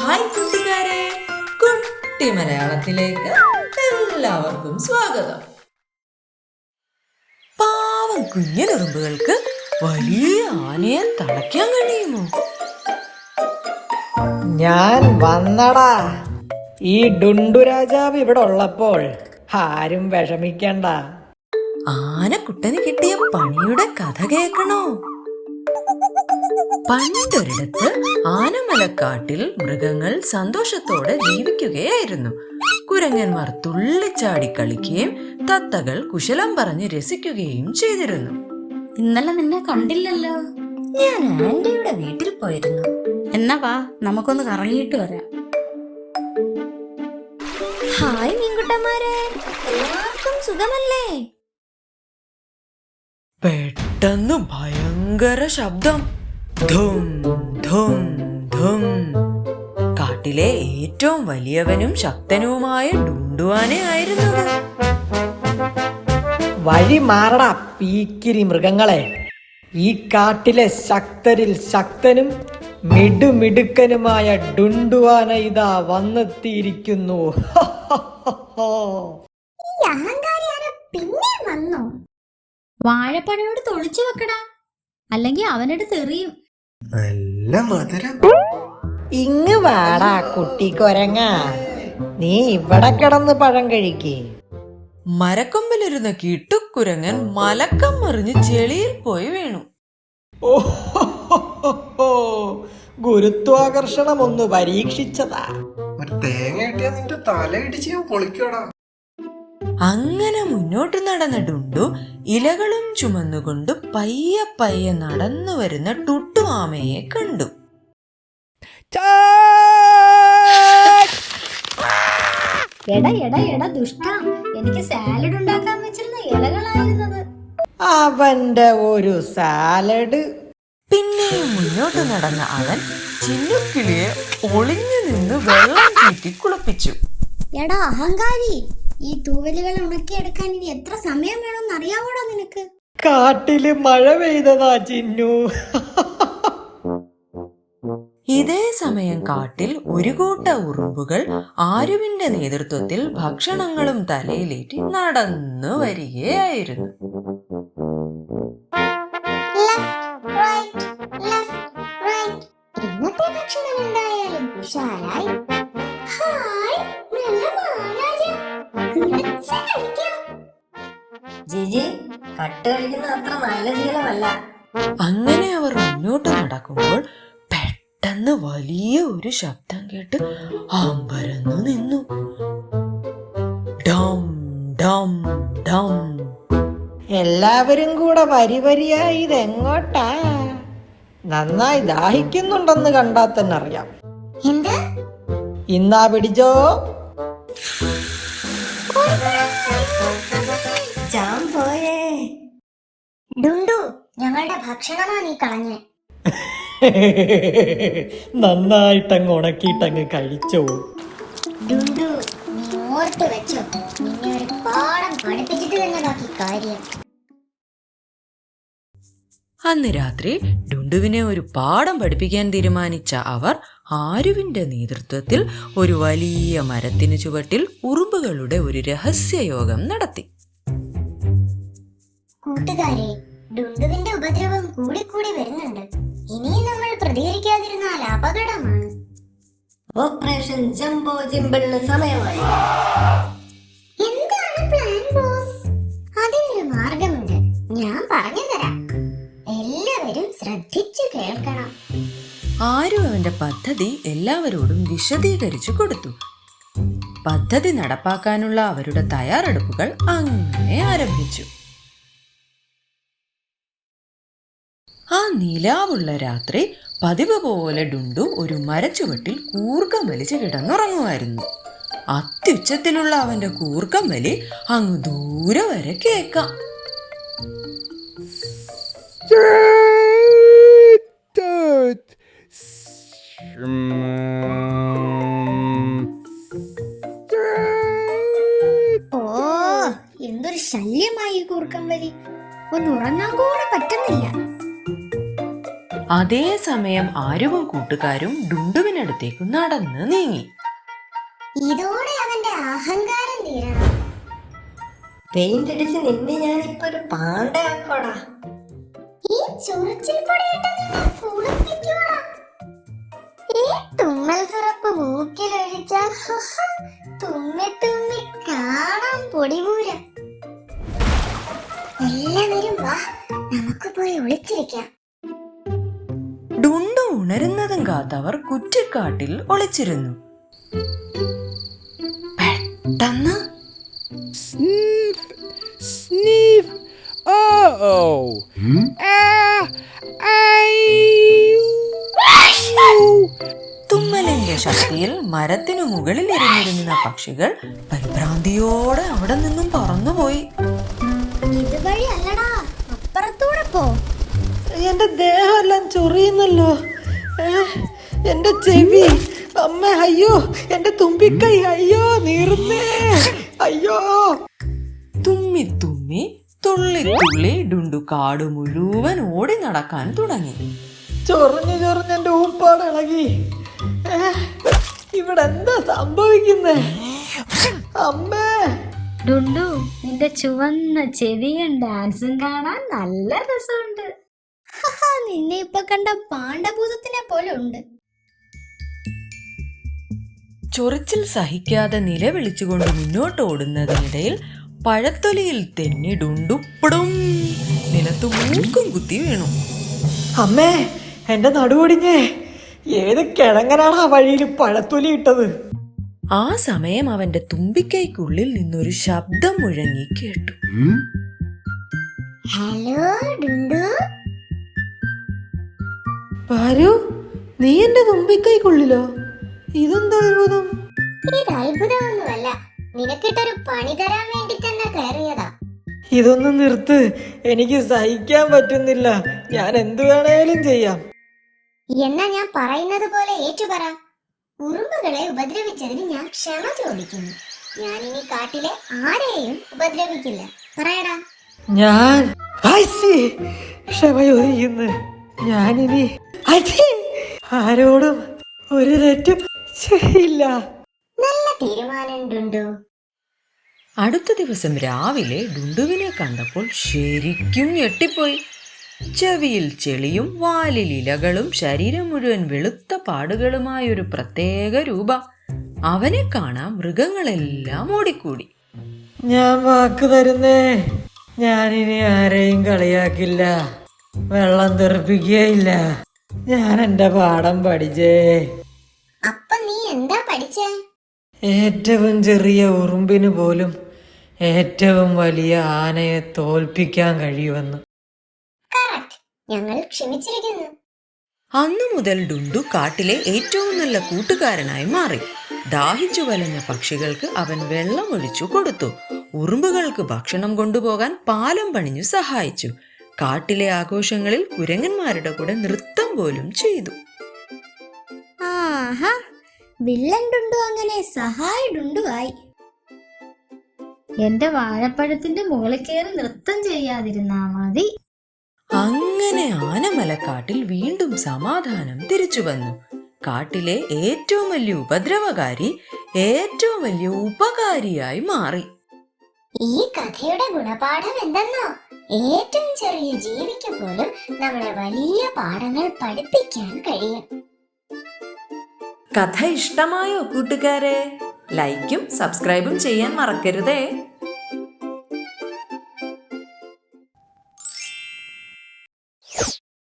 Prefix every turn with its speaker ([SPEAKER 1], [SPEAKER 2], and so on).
[SPEAKER 1] Hi കൂട്ടുകാരെ, കുട്ടി മലയാളത്തിലേക്ക് എല്ലാവർക്കും സ്വാഗതം. പാവം കുഞ്ഞനുറുമ്പുകൾക്ക് വലിയ ആനയെ തളയ്ക്കാൻ കഴിയുമോ?
[SPEAKER 2] ഞാൻ വന്നടാ. ഈ ഡുണ്ടു രാജാവ് ഇവിടെ ഉള്ളപ്പോൾ ആരും വിഷമിക്കണ്ട.
[SPEAKER 1] ആനക്കുട്ടന് കിട്ടിയ പണിയുടെ കഥ കേൾക്കണോ? പണ്ടൊരിടത്ത് ആനമലക്കാട്ടിൽ മൃഗങ്ങൾ സന്തോഷത്തോടെ ജീവിക്കുകയായിരുന്നു. കുരങ്ങന്മാർ തുള്ളിച്ചാടി കളിക്കുകയും തത്തകൾ കുശലം പറഞ്ഞ് രസിക്കുകയും ചെയ്തിരുന്നു.
[SPEAKER 3] ഇന്നലെ നിന്നെ കണ്ടില്ലല്ലോ.
[SPEAKER 4] ഞാൻ ആന്റിയുടെ വീട്ടിൽ പോയിരുന്നു.
[SPEAKER 3] എന്നാ വാ, നമുക്കൊന്ന് കറങ്ങിയിട്ട് വരാം.
[SPEAKER 4] ഹായ് മീൻകുട്ടന്മാരെ, എല്ലാവർക്കും സുഖമല്ലേ?
[SPEAKER 1] പെട്ടെന്ന് ഭയങ്കര ശബ്ദം. ധും ധും ധും. കാട്ടിലെ ഏറ്റവും വലിയവനും ശക്തനുമായ ഡുണ്ടുവാനയായിരുന്നത്.
[SPEAKER 2] വഴി മാറടാ പീക്കിരി മൃഗങ്ങളെ. ഈ കാട്ടിലെ ശക്തരിൽ ശക്തനും മിടുമിടുക്കനുമായ ഡുണ്ടുവാന ഇതാ വന്നെത്തിയിരിക്കുന്നു.
[SPEAKER 4] പിന്നെ വന്നോ?
[SPEAKER 3] വാഴപ്പഴയോട് തൊളിച്ചു വെക്കടാ, അല്ലെങ്കിൽ അവനെടുത്ത് എറിയും.
[SPEAKER 5] നല്ല മധുരം.
[SPEAKER 2] ഇങ്ങ് വാടാ കുട്ടി കൊരങ്ങ, നീ ഇവിടെ കിടന്ന് പഴം കഴിക്കേ.
[SPEAKER 1] മരക്കൊമ്പിലിരുന്ന കിട്ടുക്കുരങ്ങൻ മലക്കം മറിഞ്ഞ് ചെളിയിൽ പോയി വീണു.
[SPEAKER 2] ഗുരുത്വാകർഷണം ഒന്ന് പരീക്ഷിച്ചതാ.
[SPEAKER 5] ഒരു തേങ്ങ കിട്ടിയാ നിന്റെ തല ഇടിച്ച് ഞാൻ പൊളിക്കോടാ.
[SPEAKER 1] അങ്ങനെ മുന്നോട്ട് നടന്ന ഡുണ്ടു ഇലകളും ചുമന്നുകൊണ്ട് പയ്യെ പയ്യെ നടന്നു വരുന്ന ടുട്ടുമാമയെ കണ്ടു.
[SPEAKER 3] എടാ ദുഷ്ട, എനിക്ക് സാലഡ് ഉണ്ടാക്കാൻ വെച്ചിരുന്ന ഇലകളായിരുന്നത്.
[SPEAKER 2] അവന്റെ ഒരു സാലഡ്.
[SPEAKER 1] പിന്നെയും മുന്നോട്ട് നടന്ന അവൻ ചിന്നുക്കിളിയെ ഒളിഞ്ഞു നിന്ന് വെള്ളം ചീറ്റി കുളിപ്പിച്ചു.
[SPEAKER 4] എടാ അഹങ്കാരി, ഈ തൂവലുകൾ ഉണക്കിയെടുക്കാൻ ഇനി എത്ര സമയം വേണമെന്ന് അറിയാവോടാ നിനക്ക്?
[SPEAKER 2] കാട്ടില് മഴ പെയ്തതാ ചിന്നു.
[SPEAKER 1] ഇതേ സമയം കാട്ടിൽ ഒരു കൂട്ട ഉറുമ്പുകൾ ആരുവിന്റെ നേതൃത്വത്തിൽ ഭക്ഷണങ്ങളും തലയിലേറ്റി നടന്നു വരികയായിരുന്നു.
[SPEAKER 4] ഇന്നത്തെ ഭക്ഷണം എന്തായാലും കുശാലായി.
[SPEAKER 6] ജിജി, കട്ട് കളിക്കുന്ന അത്ര നല്ല ശീലമല്ല.
[SPEAKER 1] അങ്ങനെ അവർ മുന്നോട്ട് നടക്കുമ്പോൾ പെട്ടെന്ന് വലിയ ഒരു ശബ്ദം കേട്ട് അമ്പരന്നു നിന്നു. ഡം ഡം ഡം.
[SPEAKER 2] എല്ലാവരും കൂടെ വരി വരിയായി ഇതെങ്ങോട്ടാ? നന്നായി ദാഹിക്കുന്നുണ്ടെന്ന് കണ്ടാൽ തന്നെ അറിയാം.
[SPEAKER 4] എന്ത്?
[SPEAKER 2] ഇന്നാ പിടിച്ചോ.
[SPEAKER 6] ജാം പോയേ.
[SPEAKER 4] ഡുണ്ടു, ഞങ്ങളുടെ ഭക്ഷണമാ നീ കളഞ്ഞേ.
[SPEAKER 2] നന്നായിട്ടങ്ങ് ഉണക്കിയിട്ടങ്ങ് കഴിച്ചോ.
[SPEAKER 4] ഡുണ്ടു, നീ ഓർത്ത് വെച്ചോ, നിന്നെ ഒരു പാഠം പഠിപ്പിച്ചിട്ട് തന്നെ ബാക്കി കാര്യം.
[SPEAKER 1] അന്ന് രാത്രി ഡുണ്ടുവിനെ ഒരു പാഠം പഠിപ്പിക്കാൻ തീരുമാനിച്ച അവർ ആരുവിന്റെ നേതൃത്വത്തിൽ ഒരു വലിയ മരത്തിന് ചുവട്ടിൽ ഉറുമ്പുകളുടെ ഒരു രഹസ്യയോഗം നടത്തി.
[SPEAKER 4] കൂട്ടുകാരെ, ഡുണ്ടുവിന്റെ ഉപദ്രവം കൂടി വരുന്നുണ്ട്. ഇനിയും നമ്മൾ പ്രതികരിക്കാതിരുന്നാൽ അപകടമാണ്.
[SPEAKER 6] ഓപ്പറേഷൻ ജംബോ ജിമ്പിളിന് സമയമായി.
[SPEAKER 4] എന്താണ് പ്ലാൻ ബോസ്? അതിനൊരു മാർഗമുണ്ട്, ഞാൻ പറഞ്ഞു തരാം. എല്ലാവരും ശ്രദ്ധിച്ചു കേൾക്കണം.
[SPEAKER 1] ആരു അവന്റെ പദ്ധതി എല്ലാവരോടും വിശദീകരിച്ചു കൊടുത്തു. പദ്ധതി നടപ്പാക്കാനുള്ള അവരുടെ തയ്യാറെടുപ്പുകൾ അങ്ങനെ ആരംഭിച്ചു. ആ നിലാവുള്ള രാത്രി പതിവ് പോലെ ഡുണ്ടു ഒരു മരച്ചുവട്ടിൽ കൂർക്കം വലിച്ച് കിടന്നുറങ്ങുമായിരുന്നു. അത്യുച്ചത്തിലുള്ള അവന്റെ കൂർക്കം വലി അങ്ങ് ദൂരെ വരെ കേൾക്കാം.
[SPEAKER 4] ഓ, എന്തൊരു ശല്യമായി കൂർക്കം വലി. ഒന്ന് ഉറങ്ങാൻ കൂടെ പറ്റുന്നില്ല.
[SPEAKER 1] അതേസമയം ആരുവും കൂട്ടുകാരും ഡുണ്ടുവിനടുത്തേക്ക് നടന്ന് നീങ്ങി.
[SPEAKER 4] ഇതോടെ അവന്റെ അഹങ്കാരം തീരണം.
[SPEAKER 6] പെയിന്റ് അടിച്ച് നിന്നെ ഞാനിപ്പോ ഒരു പാണ്ടയാക്കോടാ.
[SPEAKER 4] ഈ ചൊറിച്ചിൽ പൊടിയിട്ട് നിന്നെ കുളിപ്പിക്കോടാ. ഈ തുമ്മൽ സിറപ്പ് മൂക്കിലൊഴിച്ചാൽ തുമ്മി തുമ്മി കാണാം പൊടിപൂരം. എല്ലാവരും വാ, നമുക്ക് പോയി ഒളിച്ചിരിക്കാം.
[SPEAKER 1] ഡുണ്ടു ഉണരുന്നതും കാത്തവർ കുറ്റിക്കാട്ടിൽ ഒളിച്ചിരുന്നു. പെട്ടെന്ന്
[SPEAKER 7] Sniff! Uh-oh!
[SPEAKER 1] തുമ്മലിന്റെ ശക്തിയിൽ മരത്തിനു മുകളിൽ ഇരുന്നിരുന്ന പക്ഷികൾ പരിഭ്രാന്തിയോടെ അവിടെ നിന്നും പറന്നുപോയി.
[SPEAKER 4] ഇതുവഴി അല്ലടാ, അപ്പുറത്തൂടെ പോ.
[SPEAKER 2] എന്റെ ദേഹമെല്ലാം ചൊറിയുന്നല്ലോ. എന്റെ ചെവി, അമ്മ, അയ്യോ, എന്റെ തുമ്പിക്കൈ, അയ്യോ, നീറുന്നേ, അയ്യോ.
[SPEAKER 1] തുമ്മി തുമ്മി തുള്ളി തുള്ളി ഡുണ്ടു കാട് മുഴുവൻ ഓടി നടക്കാൻ തുടങ്ങി.
[SPEAKER 2] ചൊറിഞ്ഞ് ചൊറിഞ്ഞ് എന്റെ ഊപ്പാട് ഇളകി. ഇവിടെ എന്താ സംഭവിക്കുന്നേ? അമ്മേ.
[SPEAKER 3] ഡുണ്ടു, നിന്റെ ചുവന്ന ചെവിയും ഡാൻസും കാണാൻ നല്ല രസമുണ്ട്.
[SPEAKER 4] നിന്നെ ഇപ്പൊ കണ്ട പാണ്ഡഭൂതത്തിനെ പോലെ ഉണ്ട്.
[SPEAKER 1] ചൊറിച്ചിൽ സഹിക്കാതെ നിലവിളിച്ചുകൊണ്ട് മുന്നോട്ട് ഓടുന്നതിനിടയിൽ പഴത്തൊലിയിൽ തെന്നി ഡുണ്ടുപ്പടും നിലത്ത് മൂക്കും കുത്തി വീണു.
[SPEAKER 2] അമ്മേ, എന്റെ നടുവൊടിഞ്ഞേ. ഏത് കിഴങ്ങനാണ് ആ വഴിയിൽ പഴത്തൊലി ഇട്ടത്?
[SPEAKER 1] ആ സമയം അവന്റെ തുമ്പിക്കൈക്കുള്ളിൽ നിന്നൊരു ശബ്ദം മുഴങ്ങി കേട്ടു.
[SPEAKER 4] ഹലോ ഡുണ്ടു.
[SPEAKER 2] പാരു, നീ എന്റെ തുമ്പിക്കൈക്കുള്ളിലോ? ഇതെന്താ അത്ഭുതം?
[SPEAKER 4] ഇത് അത്ഭുതമൊന്നുമല്ല, നിനക്കിട്ടൊരു പണി തരാൻ വേണ്ടി തന്നെ കയറിയതാ.
[SPEAKER 2] ഇതൊന്നും നിർത്ത്, എനിക്ക് സഹിക്കാൻ പറ്റുന്നില്ല. ഞാൻ എന്തു വേണേലും ചെയ്യാം.
[SPEAKER 4] എന്നാ ഞാൻ പറയുന്നത് പോലെ ഏറ്റുപറ. ഉറുമ്പുകളെ ഉപദ്രവിച്ചതിന് ഞാൻ ക്ഷമ ചോദിക്കുന്നു. ഞാൻ ഇനി കാട്ടിലെ ആരെയും ഉപദ്രവിക്കില്ല. പറയടാ.
[SPEAKER 2] ഞാൻ ക്ഷമ ചോദിക്കുന്നു. ഞാനിനി ആരോടും ഒരു തെറ്റും ചെയ്യില്ല.
[SPEAKER 4] നല്ല തീരുമാനം ഡുണ്ടു.
[SPEAKER 1] അടുത്ത ദിവസം രാവിലെ ഡുണ്ടുവിനെ കണ്ടപ്പോൾ ശരിക്കും ഞെട്ടിപ്പോയി. ചെവിയിൽ ചെളിയും വാലിൽ ഇലകളും ശരീരം മുഴുവൻ വെളുത്ത പാടുകളുമായൊരു പ്രത്യേക രൂപ. അവനെ കാണാൻ മൃഗങ്ങളെല്ലാം ഓടിക്കൂടി.
[SPEAKER 2] ഞാൻ വാക്ക് തരുന്നേ, ഞാനിനി ആരെയും കളിയാക്കില്ല, വെള്ളം തെറിപ്പിക്കുകയില്ല. ഞാൻ എന്റെ പാഠം പഠിച്ചേ.
[SPEAKER 4] അപ്പൊ നീ എന്താ പഠിച്ചേ?
[SPEAKER 2] ഏറ്റവും ചെറിയ ഉറുമ്പിന് പോലും ഏറ്റവും വലിയ ആനയെ തോൽപ്പിക്കാൻ കഴിയുമെന്ന്.
[SPEAKER 4] കറക്റ്റ്. ഞങ്ങൾ ക്ഷമിച്ചിരിക്കുന്നു.
[SPEAKER 1] അന്നു മുതൽ ഡുണ്ടു കാട്ടിലെ ഏറ്റവും നല്ല കൂട്ടുകാരനായി മാറി. ദാഹിച്ചു വലഞ്ഞ പക്ഷികൾക്ക് അവൻ വെള്ളം ഒഴിച്ചു കൊടുത്തു. ഉറുമ്പുകൾക്ക് ഭക്ഷണം കൊണ്ടുപോകാൻ പാലം പണിഞ്ഞു സഹായിച്ചു. കാട്ടിലെ ആഘോഷങ്ങളിൽ കുരങ്ങന്മാരുടെ കൂടെ നൃത്തം പോലും ചെയ്തു.
[SPEAKER 4] ആഹാ, വില്ലൻ ഡുണ്ടു അങ്ങനെ സഹായ ഡുണ്ടു ആയി.
[SPEAKER 3] എന്റെ വാഴപ്പഴത്തിന്റെ മുകളിൽ കയറി നൃത്തം ചെയ്യാതിരുന്നാ മതി.
[SPEAKER 1] അങ്ങനെ ആനമലക്കാട്ടിൽ വീണ്ടും സമാധാനം തിരിച്ചു വന്നു. കാട്ടിലെ ഏറ്റവും വലിയ ഉപദ്രവകാരി ഏറ്റവും വലിയ ഉപകാരിയായി മാറി.
[SPEAKER 4] ഈ കഥയുടെ ഗുണപാഠം എന്തെന്നോ? ഏറ്റവും ചെറിയ ജീവിക്ക് പോലും നമ്മളെ വലിയ പാഠങ്ങൾ പഠിപ്പിക്കാൻ കഴിയും.
[SPEAKER 1] കഥ ഇഷ്ടമായോ കൂട്ടുകാരെ? ലൈക്കും സബ്സ്ക്രൈബും ചെയ്യാൻ മറക്കരുതേ.